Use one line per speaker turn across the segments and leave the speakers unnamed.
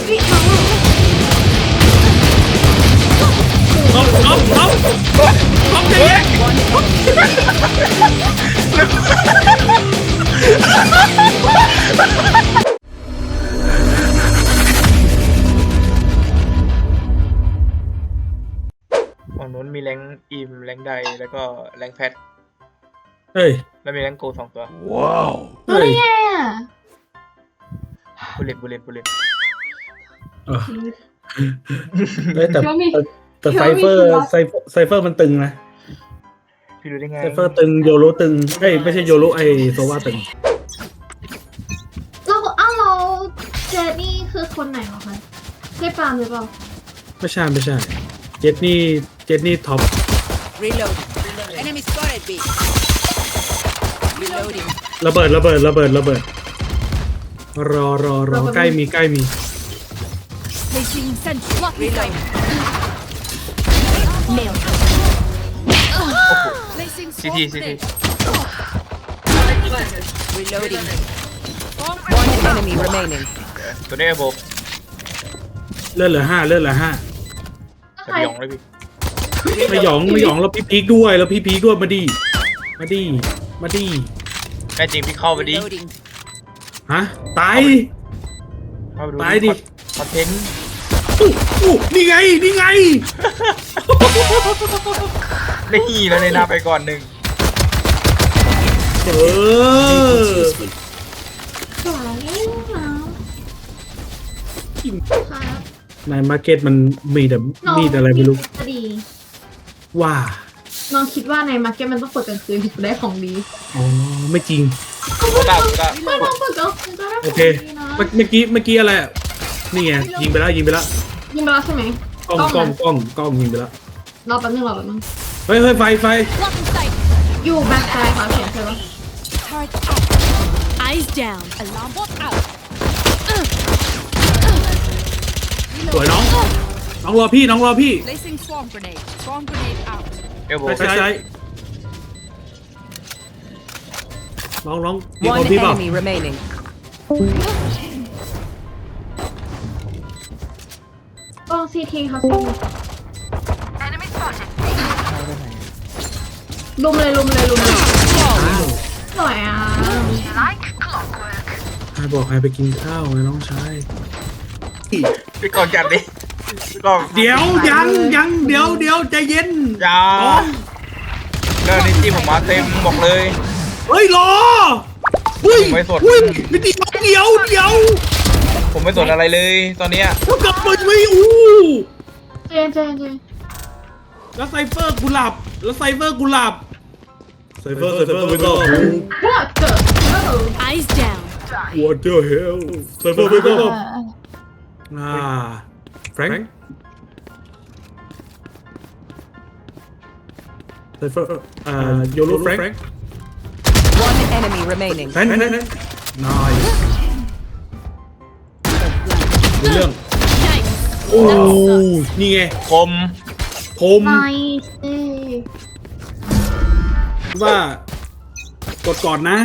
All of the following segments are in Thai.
เอาใจเย็นฝั่งนู้นมีแรงอิมแรงใดแล้วก็แรงแพท
เฮ้ย
แล้วมีแรงโก2 ตัว
ว้าว
เฮ้ย
บุลเลต
แต่ไซเฟอร์มันตึงนะ
พี่รู้ได้ไง
ไซเฟอร์ตึงโยโรตึงไม่ใช่โยโรโซวาตึง
เราเจดนี่คือคนไหนเหรอคะใช่ปาล์มหรือเปล่า
ไม่ใช่เจดนี่ท็อป
Reload. Enemy spotted B. Reloading.
ระเบิดรอใกล้มี
Placing sentry. Reload. Nail. Placing
CT
Reloading. One enemy remaining.
ตัวนี้โบ
เลือดเหลือ5
สยองเลยพี่
ไม่หยองแล้วพี่พีคด้วยมาดีแม่
จริงพี่เข้าไปดิ
Reloading.
ฮะตายดิ
คอนเทนต์
นี่ไง
นี่แล้วในหน้าไปก่อน1
ในมาร์เก็ตมันมีแต่มีอะไรไม่รู้ว่า
น้องคิดว่าในมาร์เก็ตมันต้องเปิดกลางคืนถึงจะได้ของดี
อ๋อไม่จริง
ไม่ต้อง
เปิดกลางคืนก็ได้
โอเคเมื่อกี้อะไรนี่ไงยิงไปแล้ว
ใช่ไหม
กล้องยิงไปแล้ว
รอแป๊บนึง
เฮ้ยไฟ
อยู่แบ็คไซด์ค่ะเขียนใช่ปะ
Eyes down. Alarm bot out.
สวยน้องรอพี่
Placing swarm grenade. Swarm grenade out.
ใช่น้องมีคน
One
พี่เปล่า
enemy remaining.
กล้องซีทีค่ะซีทีลุมเลยสวยอ่ะ
ให้บอกให้ไปกินข้าวไงน้องชาย
พี่ก่อนจัดดิ
เดี๋ยวยังเดี๋ยวใจเย็น
อย่าเรื่องนี้ที่ผมมาเต็มบอกเลย
เฮ้ยรอ
ไม่สน
ไม่ดีเดี๋ยว
ผมไม่สนอะไรเลยตอนเนี้ย
กลับมาไม่
เจน
แล้วไซเฟอร์กูหลับไซเฟอร์ไม่ต้อง
Eyes down.
What the hell ไซเฟอร์ไม่ต้องแฟรงค์ไซเฟอร์โยโรแฟรงค์
One enemy remaining.
แฟรงค์ nice เรื่องโอ้นี่ไง
คม
ว่ากดก่อนนะ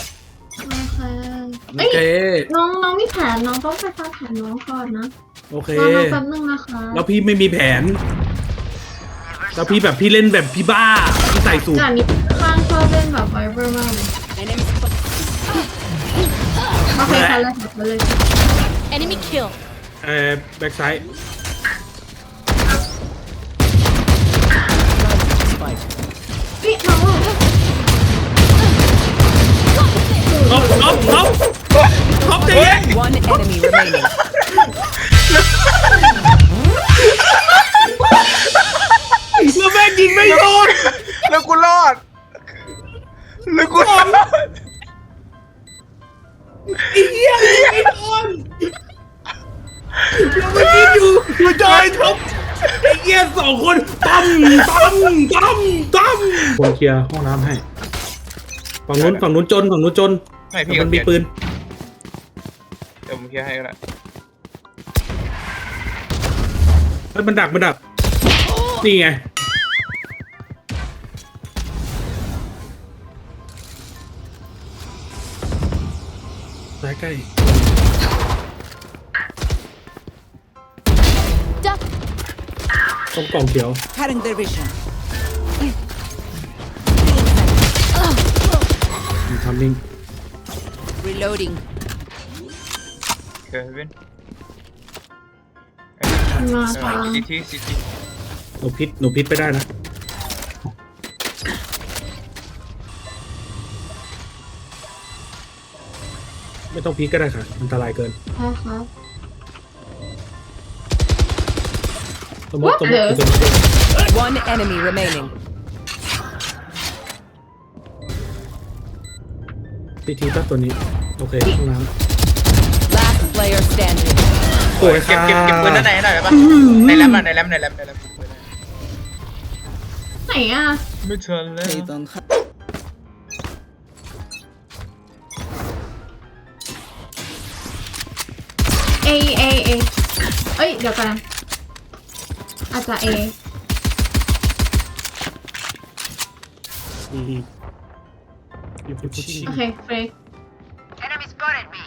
โอเคน้องมีแผนน้องต้องไปฟังแผนน้องก่อนนะ
โอเค
รอแป๊บนึงนะคะ
แล้วพี่ไม่มีแผนแล้วพี่เล่นแบบพี่บ้าพี่ใส่สูท
แต่นี้ข้างชอบเล่นแบบไวเบอร์มากเลยโอเคค่ะเลย
Enemy kill.
แบ็กไซด์
พี่น้อง
ท็อปใจเย็น
One enemy remaining.
แล้วแม่งยิงไม่โดน
แล้วกูรอด
ไอ้เหี้ยไม่โดนแล้วเมื่อกี้อยู่จอยท็อปไอ้เหี้ย2 คนตั้มคนเคลียร์ห้องน้ำให้ฝั่งนู้นจน
ไม่พี่
มันมีปืน
เดี๋ยวผมเคลียร์ให้ก็ได้
มันดักนี่ไงใกล้ตรงกล่องเขียว
Cutting their vision.
มีทำนิ่ง
Reloading.
เควิน
มาทาง
ซิตี้ซิตี้
หนูพิษไปได้นะ ไม่ต้องพิษก็ได้ค่ะ อันตรายเกิน
ใช่ครับ
สมมติ
One enemy remaining.
ทีก็ตัวนี้ โอเคห้องน้
Last player standing.
ำสวย
เก็
ค่ะ
บปืนด้านในหน่อยได้ปะในแรมอ่ะในแรม
ไหนอ่ะ
ไม่เชิญเลย
เอเอ้ยเดี๋ยวกันอาจจะเอ
อยู่ที่พุชชิ่ง
โอเคเฟร
Enemy spotted me.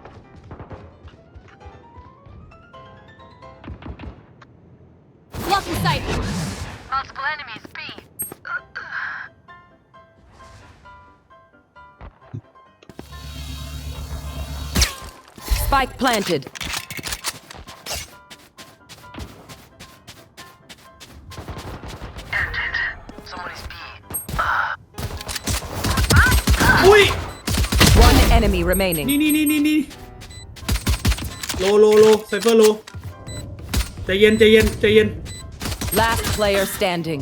Blocking sight. Multiple enemies. B. Spike planted. Somebody's B.
อุ้ย
One enemy remaining.
นี่โลไซเฟอร์โลใจเย็น
Last player standing.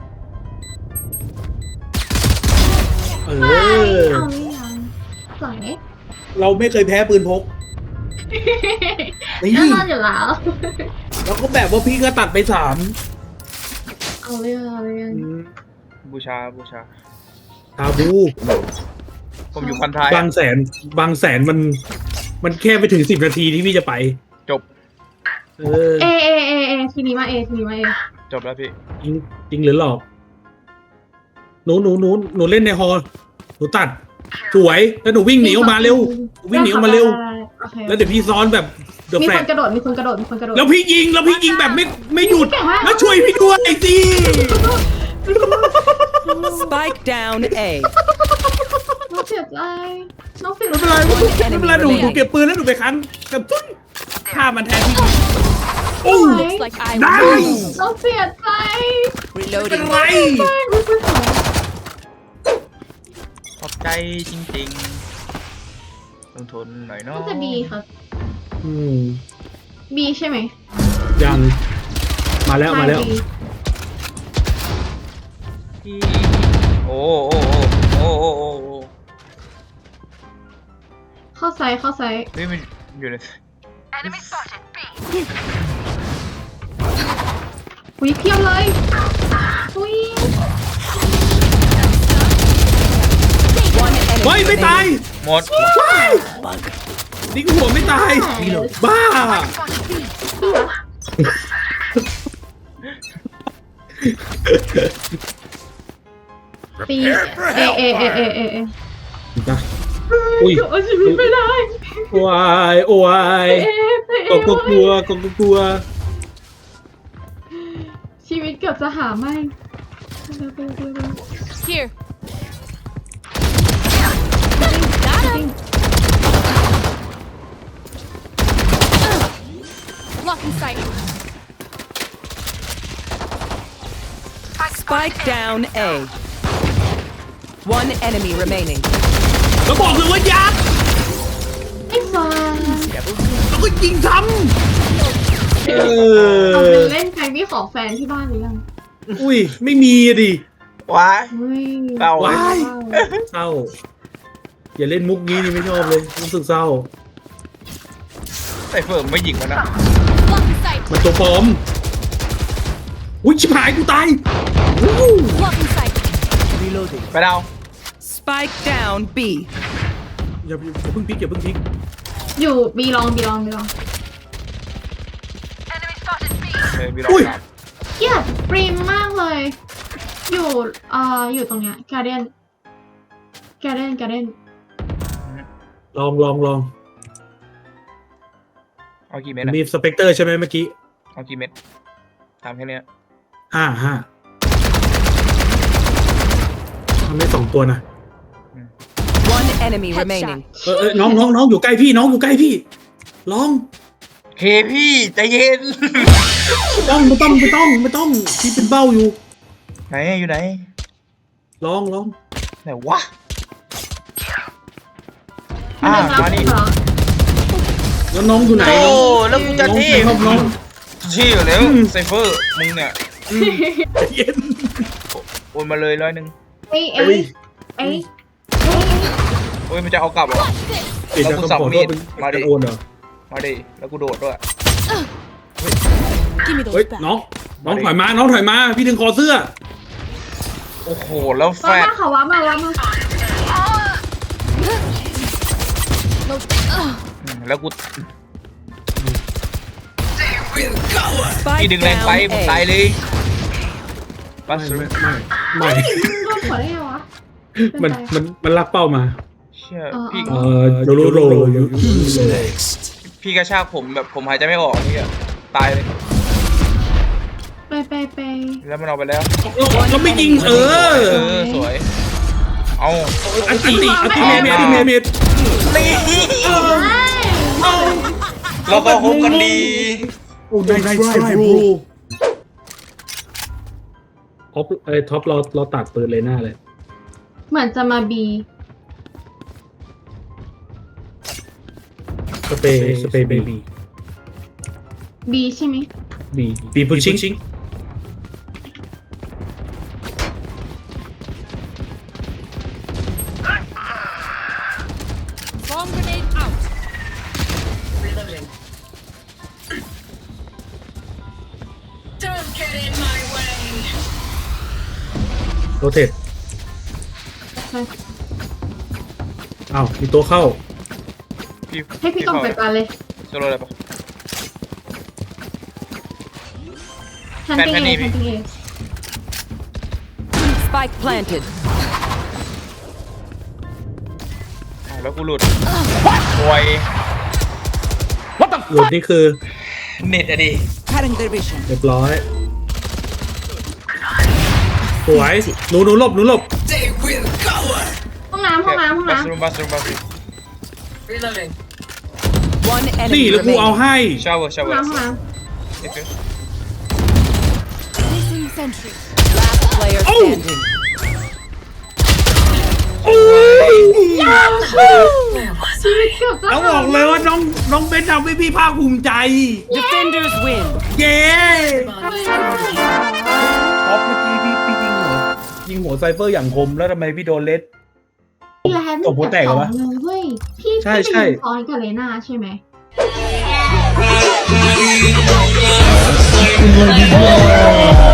เอ
ไม่
อ
เอาไม่ยังสวย
เราไม่เคยแพ้ปืนพก นี่
แน่นอนอยู่แล้ว
แล้วก็แบบว่าพี่ก็ตัดไป3
เอาเรื่อง
บูชา
ตาบู
ผมอยู่พันท้าย
บางแสนมันแค่ไปถึง10 นาทีที่พี่จะไป
จบ
เออ
เอทีนี้มาเอ
จบแล้วพี่
จริงหรือหลอกหนูเล่นในฮอลหนูตัด สวยแล้วหนูวิ่งหนีออกมาเร็ววิ่งหนีออกมาเร็ว
โอเค
แล้วเดี๋ยวพี่ซ้อนแบบเดอะ
มี
แฟล
คนกระโดดมีคนกระโดด
แล้วพี่ยิงแบบไม่หยุด แล้วช่วยพี่ด้วยสิ
Spike down A.
น้องเสียใจน้องเสีย
ไม่
ใจ
เป็นไรหนูเก็บปืนแล้วหนูไปคันกับตุ้นฆ่ามันแทนที่โอ้
Looks like I
ได้
win.
น้องเสียใจ
เป็น
Reloading.
ไร
ขอบใจจริงๆลงทุนหน่อยเนาะ
น่าจะบีครับ
อืม
บีใช่ไหม
ยังมาแล้ว
ใช่ B
โอ้
เข้าไซส์
เฮ้ยมันอยู่ใน
อุ้ยเพียบเลยอุ้ย
One enemy
เฮ้ยไม่ตาย
หมด
นี่กูหัวไม่ตาย บ้า
ปีเอ
จ้ะอุ้ย
เอาชีวิตไม่ได้
โอ้ย
เอ
ก็กลัว
ชีวิตเกือบจะหาไม่
here. Got him. Blocking sight. Spike down A. One enemy remaining.
แล้วบอกเลยว่ายัด
ไอ้ฟ้า
แล้วก็ยิงซ้ำ
เอาไปเล่นแฟนพี่ขอแฟนที่บ้านหรือยัง
อุ้ยไม่มีอะดิ
ว้าย
อุ้ย
เศร้า
ว้าย เศร้า อย่าเล่นมุกนี้นี่ไม่ชอบเลยรู้สึกเศร้า
ใส่เฟิร์มไม่ยิงมันนะ
Blocking sight.
มันตัวปลอม อุ้ยชิบหายกูตาย
Blocking sight.
ไปดาว
Spike down B.
อย่าเพิ่งพลิก
อยู่บีลอง
เฮ้ยมีรอ
อุ้ย
บ
เกลียดปริมมากเลย อยู่ตรงเนี้ยการ์เด้น
ลอง
เอากี่เม็ดอะ
มีสเปกเตอร์ใช่ไหมเมื่อกี้
เอากี่เม็ดถามแค่เนี้ย
5ทำได้2ตัวนะ
One enemy remaining.
น้องอยู่ใกล้พี่น้องอยู่ใกล้พี่ลอง
เคพี่ใจเย็น
ไม่ต้องพี่เป็นเบ้าอยู่
ไหนอยู่ไหน
ลอง
ไหนวะ
มันยังรับ
มานี่
เหรอ
แล้วน้องอยู่ไหน
โอ้แล้วกูจะ
น้อง
ที่
น้อง
ที่อยู่แล้วไซเฟอร์มึงเนี่ย
เย็น
โอนมาเลย100
เอ้ย
เอ้ย
โอ้ยมันจะเอากลับเหรอ
เดี๋ยวจะ
แล้วกู
ต้อง
สับ
ขอ
มี
โทษ
ด
เป็น
มาดิ
การโอนเหรอ
มาดิแล้วกูโดดด้วย
Give me
เฮ้ย
those back.
น้องถอยมาพี่ดึงคอเสื้อ
โอ้โหแล้วแฟ
ว้า
ด
มาเขาว้ามา
แล้วกู
Spike
พี่ดึงแรงไป
down
มึง
A.
ตายเลยปัส
ไม่
สุ
ไม่
โดนหัวได้ไงวะ
มันลักเป้ามา
เชี่ยพี่
โรอยู่
พี่กระชากผมแบบผมหายใจไม่ออกพี่อะตายเลย
ไป
แล้วมันเอาไปแล้ว
เราไม่ยิง
สวยเอา
อันติเมด
นี่เราก็คบกันดี
โอ้ได้บรูท็อปเราตัดปืนเลยหน้าเลย
เหมือนจะมาบี
สเปย์เบบี
บีใช่ไหม
บีพุชชิง
Bomb grenade out.
โรเทตอ้าวมีตัวเข้า
ให้พี่กองไปปาเลย
จะรออะไรปะ
ทันตี
แฟนนี่
เอ
พี่
Spike planted.
แล้วกูหลุดโวย
หลุดนี่คือ
เน็ตอะดิ
Cutting their vision.
เรียบร้อยสวยหนูหลบ
ห้องน้ำ
บัสรูม
One
นี่
enemy
แล้วกูเอา
remaining.
ให้
ชาวเวอร์
ห้องน้ำ
Placing sentry. Last player
Oh!
standing.
โอ้ย
ชีวิตเกือบจะ
แล้วบอกเลยว่าน้องเบนทำให้พี่ภาคภูมิใจ
Defenders win.
เย้ท็อปเมื่อกี้พี่ยิงหัวไซเฟอร์อย่างคมแล้วทำไมพี่โดนเลส
พี่แล้ว
ตบหัวแตกเหรอวะ
เลยเว้ยพี่
ใช่
ไปยิงซ้อนกับเลน่าใช่ไหม